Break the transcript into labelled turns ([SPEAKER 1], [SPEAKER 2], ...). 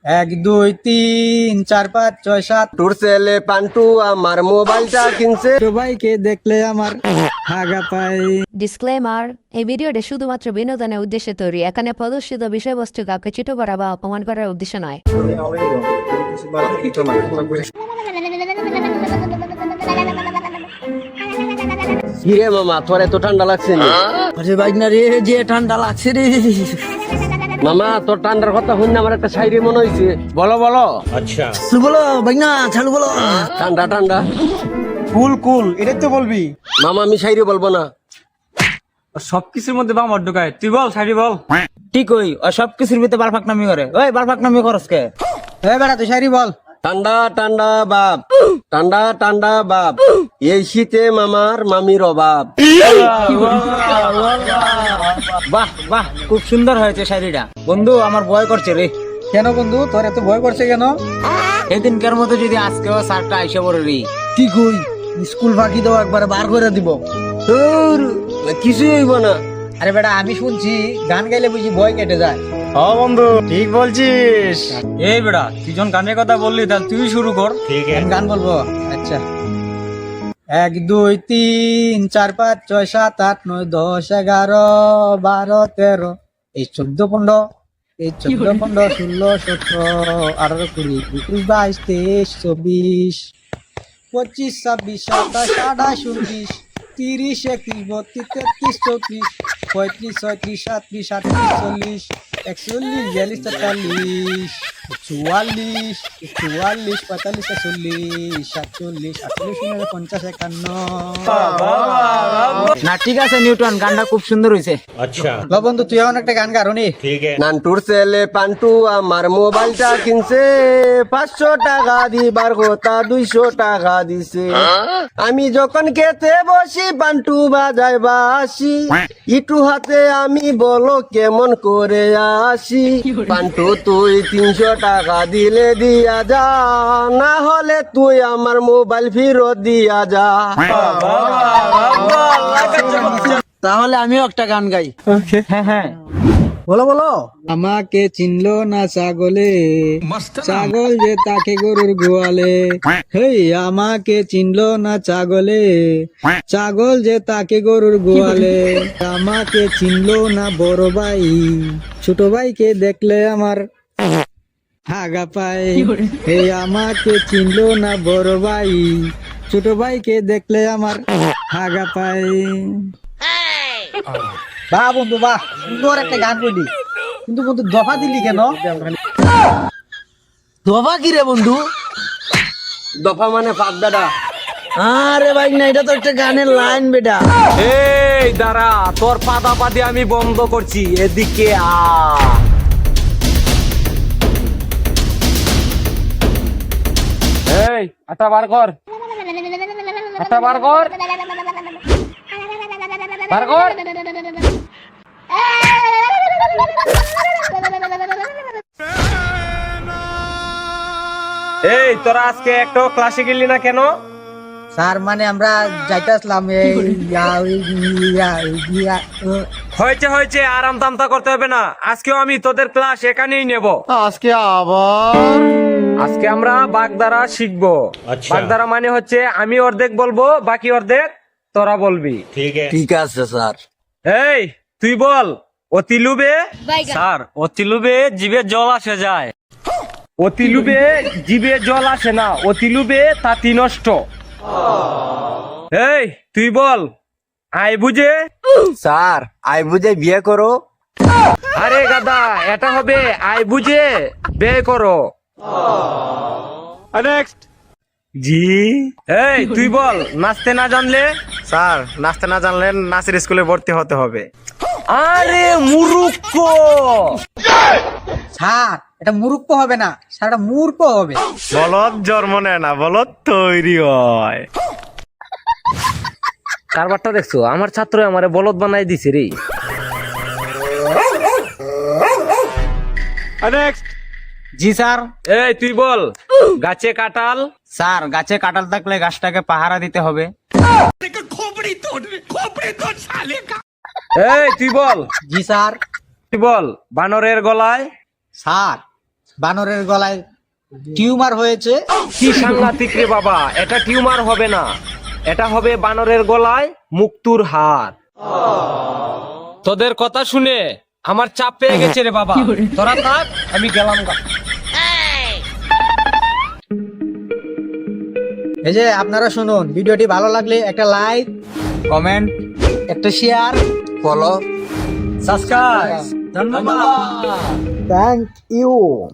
[SPEAKER 1] এক দুই তিন চার পাঁচ ছয় সাত।
[SPEAKER 2] তোর ছেলে পান্টু আমার মোবাইলটা কিনছে।
[SPEAKER 1] সবাইকে দেখলে আমার হাগা পাই।
[SPEAKER 3] ডিসক্লেমার, এই ভিডিওটি শুধুমাত্র বিনোদনের উদ্দেশ্যে তৈরি। এখানে প্রদর্শিত বিষয়বস্তু কাউকে ছোট করা বা অপমান করার উদ্দেশ্য নয়।
[SPEAKER 2] কিরে মামা, তোর এত ঠান্ডা লাগছে না?
[SPEAKER 1] আরে বাইক না রে, যে ঠান্ডা লাগছে রে।
[SPEAKER 2] মামা, তোর ঠান্ডার কথা শুনে আমার একটা শায়রি মনে হয়েছে।
[SPEAKER 1] বলো বলো। বলো বাইক না, ছাড়ু বলো।
[SPEAKER 2] ঠান্ডা ঠান্ডা
[SPEAKER 1] কুল কুল, এটাই তো বলবি।
[SPEAKER 2] মামা, আমি শায়রি বলবো না।
[SPEAKER 1] সবকিছুর মধ্যে বাম ঢুকায়, তুই বল শাড়ি বল। ঠিক ওই সবকিছুর ভিতরে বালফাক নামি করে। ওই বালফাক নামি করস কে? এই বেটা তুই শাড়ি বল।
[SPEAKER 2] ঠান্ডা ঠান্ডা বাপ, ঠান্ডা ঠান্ডা বাপ, এই শীতে মামার মামির অভাব।
[SPEAKER 1] বাহ বাহ, খুব সুন্দর হয়েছে শাড়িটা। বন্ধু আমার ভয় করছে রে। কেন বন্ধু, তোর এত ভয় করছে কেন? এদিনকার মতো যদি আজকেও স্যারটা আইসে পড়ে রে, কি কই স্কুল ফাঁকি দাও, একবার বার করে দিব।
[SPEAKER 2] তোর কিছুই হইব না।
[SPEAKER 1] আরে বেটা, আমি শুনছি গান গাইলে বুঝি ভয় কেটে যায়।
[SPEAKER 4] হ্যাঁ বন্ধু, ঠিক বলছিস।
[SPEAKER 1] এই বেটা, তুই যখন গানের কথা বললি তাহলে তুই শুরু কর। আমি গান বলবো। আচ্ছা, এক দুই তিন চার পাঁচ ছয় সাত আট নয় দশ এগারো বারো তেরো এই 14 15 এই 14 15 16 17 18 20 21 22 23 24 25 26 27 28 29 30 31 32 33 34 35 36 37 38 40 41 42 43 44 45 46 47 48 49 না ঠিক আছে নিউটন, গানটা খুব সুন্দর হয়েছে।
[SPEAKER 4] আচ্ছা
[SPEAKER 1] বন্ধু তুই এখন একটা গান গারনি।
[SPEAKER 2] নান্টুর ছেলে পান্টু আমার মোবাইলটা কিনছে। 500 টাকা দিবার কথা 200 টাকা দিছে। আমি যখন খেতে বসি পান্টু বাজায় বাসি, ইটু হাতে আমি বলো কেমন করে আসি। পান্টু তুই 300 টাকা দিলে দিয়া যা, না হলে তুই আমার মোবাইল ফেরত দিয়া যা।
[SPEAKER 1] তাহলে আমিও একটা গান গাই। হ্যাঁ হ্যাঁ, বলো বলো। আমাকে চিনলো না ছাগলে, ছাগল যে তাকে গরুর গোয়ালে। হেই আমাকে চিনলো না ছাগলে, ছাগল যে তাকে গরুর গোয়ালে। আমাকে চিনলো না বড় ভাই, ছোট ভাইকে দেখলে আমার হাগা পায়। হেই আমাকে চিনলো না বড় ভাই, ছোট ভাইকে দেখলে আমার হাগা পায়। বাহ বন্ধু বাহ, সুন্দর একটা গান বলি। কিন্তু বন্ধু দফা দিলি কেন? দফা কি রে বন্ধু?
[SPEAKER 2] দফা মানে পাগদাদা।
[SPEAKER 1] আরে ভাই না, এটা তো একটা গানের লাইন বেটা।
[SPEAKER 4] এই দাঁড়া, তোর পাদা পাদি আমি বন্ধ করছি, এদিকে আ। এই আটা বার কর, আটা বার কর, বার কর। এই তোরা আজকে একটা ক্লাসে গেলি না কেন?
[SPEAKER 1] স্যার মানে আমরা যাইতে আসলাম।
[SPEAKER 4] হয়েছে হয়েছে, আরাম তামতা করতে হবে না। আজকেও আমি তোদের ক্লাস এখানেই নেব।
[SPEAKER 2] আজকে আবার
[SPEAKER 4] আজকে আমরা বাগধারা শিখবো। বাগধারা মানে হচ্ছে আমি অর্ধেক বলবো, বাকি অর্ধেক তোরা বলবি।
[SPEAKER 2] ঠিক আছে স্যার।
[SPEAKER 4] এই তুই বল, অতি লুবে। স্যার, অতি লুবে জিভে জল আসে যায়। অতি লুবে জিভে জল আসে না, অতি লুবে তাঁতি নষ্ট। এই তুই বল, আয় বুঝে।
[SPEAKER 2] স্যার, আই বুঝে বিয়ে করো।
[SPEAKER 4] আরে গাদা, এটা হবে আয় বুঝে বে করো। নেক্সট জি। এই তুই বল, নাচতে না জানলে।
[SPEAKER 5] স্যার, নাচতে না জানলে নাচের স্কুলে ভর্তি হতে হবে।
[SPEAKER 4] আরে মূর্খ।
[SPEAKER 1] স্যার এটা মূর্খ হবে না, স্যার এটা মূর্খ হবে।
[SPEAKER 5] বলদ জন্ম নেয় না, বলদ তৈরি হয়।
[SPEAKER 4] কারবারটা দেখছো, আমার ছাত্র আমারে বলদ বানাই দিছে রে। নেক্সট
[SPEAKER 1] জি স্যার।
[SPEAKER 4] এই তুই বল, গাছে কাঁঠাল।
[SPEAKER 1] স্যার গাছে কাঁঠাল থাকলে গাছটাকে পাহারা দিতে হবে।
[SPEAKER 4] এই তুই বল,
[SPEAKER 1] জি স্যার।
[SPEAKER 4] তুই বল, বানরের গলায়।
[SPEAKER 1] স্যার বানরের গলায় টিউমার হয়েছে।
[SPEAKER 4] কি সাংঘাতিক রে বাবা, এটা টিউমার হবে না, এটা হবে বানরের গলায় মুক্তুর হার। তোদের কথা শুনে আমার চাপ পেয়ে গেছে রে বাবা, তোরা থাক, আমি গেলাম গা।
[SPEAKER 1] এই যে আপনারা শুনুন, ভিডিওটি ভালো লাগলে একটা লাইক, কমেন্ট, একটা শেয়ার,
[SPEAKER 2] ফলো
[SPEAKER 1] সাবস্ক্রাইব। ধন্যবাদ, থ্যাংক ইউ।